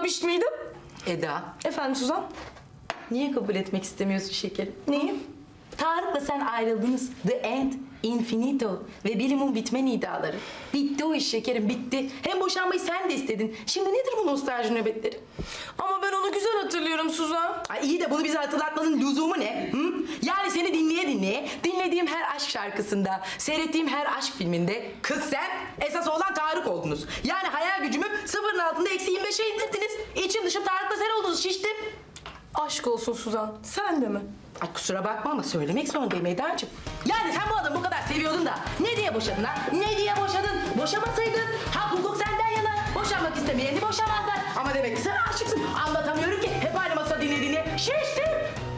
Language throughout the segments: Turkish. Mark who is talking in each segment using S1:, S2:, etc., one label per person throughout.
S1: anlatmış mıydım?
S2: Eda,
S1: Efendim Suzan?
S2: niye kabul etmek istemiyorsun şekerim?
S1: Neyi?
S2: Tarık'la sen ayrıldınız. The end, infinito ve bilimum bitme nidaları. Bitti o iş şekerim, bitti. Hem boşanmayı sen de istedin. Şimdi nedir bu nostalji nöbetleri?
S1: Ama ben onu güzel hatırlıyorum Suzan.
S2: Ay iyi de bunu bize hatırlatmanın lüzumu ne? Hı? Yani seni dinleye, dinlediğim her aşk şarkısında, seyrettiğim her aşk filminde kız sen, esas olan Tarık oldunuz. Yani hayal gücümü sıfırın altında -25'e indirdiniz. İçim dışım Tarık'la sen oldunuz, şiştim.
S1: Aşk olsun Suzan. Sen de mi?
S2: Ay kusura bakma ama söylemek zorundayım Eda'cığım. Yani sen bu adamı bu kadar seviyordun da ne diye boşadın ha? Ne diye boşadın? Boşamasaydın hak hukuk senden yana. Boşanmak istemeyeni boşamazlar. Ama demek ki sen aşıksın. Anlatamıyorum ki. Hep aynı masada dinlediğini. Şiştim.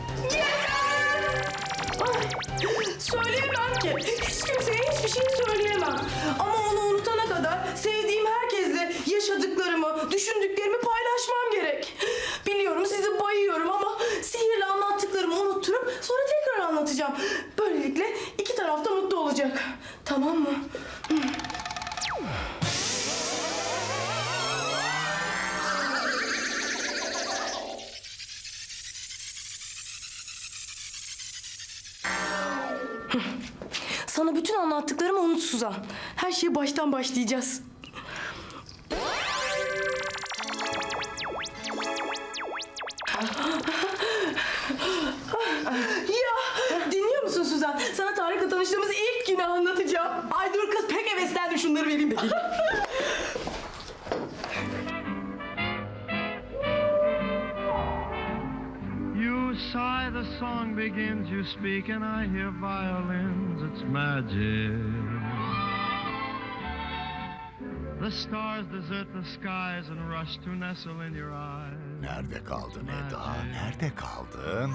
S1: Ay, söyleyemem ki. Hiç kimseye hiçbir şey söyleyemem. Ama onu unutana kadar sevdiğim herkesle yaşadıklarımı, düşündüklerimi paylaşmam gerek. Biliyorum sizi bayıyorum ama sihirle anlattıklarımı unutturup sonra tekrar anlatacağım. Böylelikle iki taraf da mutlu olacak. Tamam mı? Sana bütün anlattıklarımı unut Suzan. Her şeye baştan başlayacağız. Ya dinliyor musun Suzan? Sana Tarık'la tanıştığımız ilk günü anlatacağım.
S2: Ay dur kız pek heveslendim, şunları vereyim de geleyim.
S3: You sigh, the song begins, you speak, and I hear violins, it's magic. The stars desert the skies and rush to nestle in your eyes.
S4: Nerede kaldın Eda? Nerede kaldın?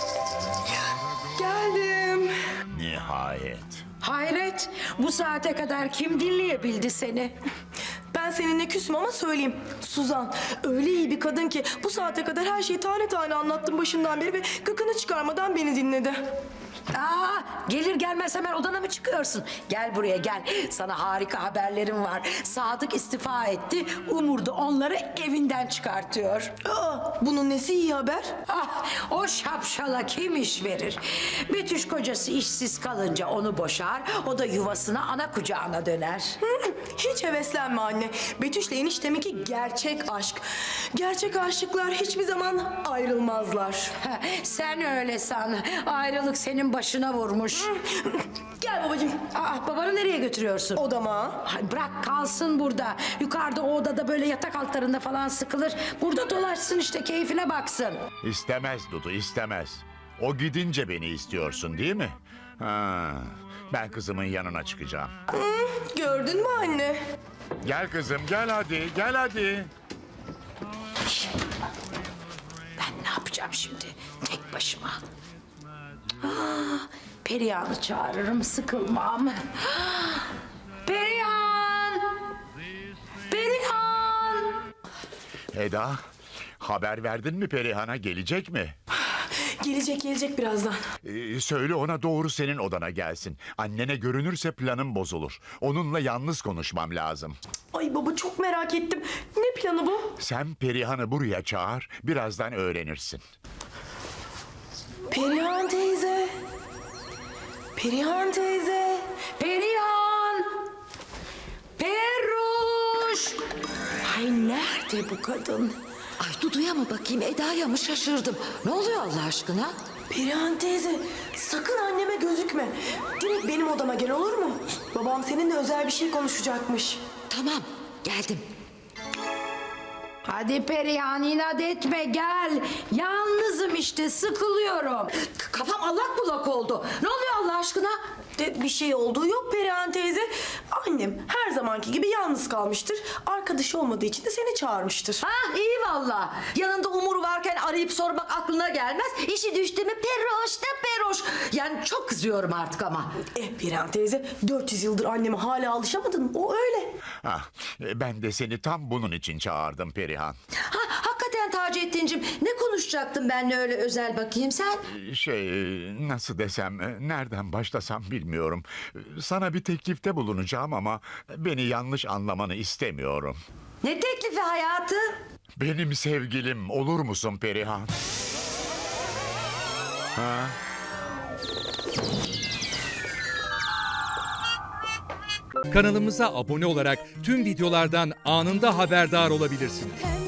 S1: Geldim.
S4: Nihayet.
S5: Hayret, bu saate kadar kim dinleyebildi seni?
S1: Ben seninle küsüm ama söyleyeyim. Suzan öyle iyi bir kadın ki bu saate kadar her şeyi tane tane anlattım başından beri ve gıkını çıkarmadan beni dinledi.
S5: Aa, gelir gelmez hemen odana mı çıkıyorsun? Gel buraya gel. Sana harika haberlerim var. Sadık istifa etti. Umur da onları evinden çıkartıyor.
S1: Bunun nesi iyi haber?
S5: Ah, o şapşala kim iş verir? Betüş kocası işsiz kalınca onu boşar. O da yuvasına ana kucağına döner.
S1: Hiç heveslenme anne. Betüş'le enişteminki gerçek aşk. Gerçek aşıklar hiçbir zaman ayrılmazlar.
S5: Sen öyle san. Ayrılık senin başına vurmuş.
S1: Gel babacığım.
S5: Aa, babanı nereye götürüyorsun?
S1: Odama.
S5: Ay bırak kalsın burada. Yukarıda o odada böyle yatak altlarında falan sıkılır. Burada dolaşsın işte, keyfine baksın.
S4: İstemez Dudu, istemez. O gidince beni istiyorsun değil mi? Ha, ben kızımın yanına çıkacağım.
S1: Gördün mü anne?
S4: Gel kızım, gel hadi, gel hadi.
S5: Ben ne yapacağım şimdi tek başıma? Aa, Perihan'ı çağırırım, sıkılmam. Perihan! Perihan!
S4: Eda, haber verdin mi Perihan'a, gelecek mi?
S1: Gelecek birazdan.
S4: Söyle ona doğru senin odana gelsin. Annene görünürse planım bozulur. Onunla yalnız konuşmam lazım.
S1: Ay baba çok merak ettim. Ne planı bu?
S4: Sen Perihan'ı buraya çağır, birazdan öğrenirsin.
S1: Perihan teyze. Perihan teyze.
S5: Perihan! Peruş! Ay nerede bu kadın?
S6: Ay Dudu'ya mı bakayım, Eda'ya mı, şaşırdım. Ne oluyor Allah aşkına?
S1: Perihan teyze sakın anneme gözükme. Direkt benim odama gel, olur mu? Babam seninle özel bir şey konuşacakmış.
S6: Tamam, geldim.
S5: Hadi Perihan, inat etme, gel. Yalnızım işte, sıkılıyorum.
S6: Kafam allak bullak oldu. Ne oluyor Allah aşkına?
S1: Bir şey olduğu yok Perihan teyze. Annem her zamanki gibi yalnız kalmıştır. Arkadaşı olmadığı için de seni çağırmıştır.
S6: Ha iyi valla. Yanında Umur varken arayıp sormak aklına gelmez. İşi düştü mü Peroş da Peroş. Yani çok kızıyorum artık ama.
S1: Perihan teyze 400 yıldır anneme hala alışamadın. O öyle.
S4: Ah, ben de seni tam bunun için çağırdım Perihan.
S6: Ha hakikaten Taceddin'cim, ne konuşacaktın benimle öyle özel bakayım sen?
S4: Nasıl desem, nereden başlasam bilmiyorum. Sana bir teklifte bulunacağım ama beni yanlış anlamanı istemiyorum.
S6: Ne teklifi hayatım?
S4: Benim sevgilim olur musun Perihan? Ha?
S7: Kanalımıza abone olarak tüm videolardan anında haberdar olabilirsiniz.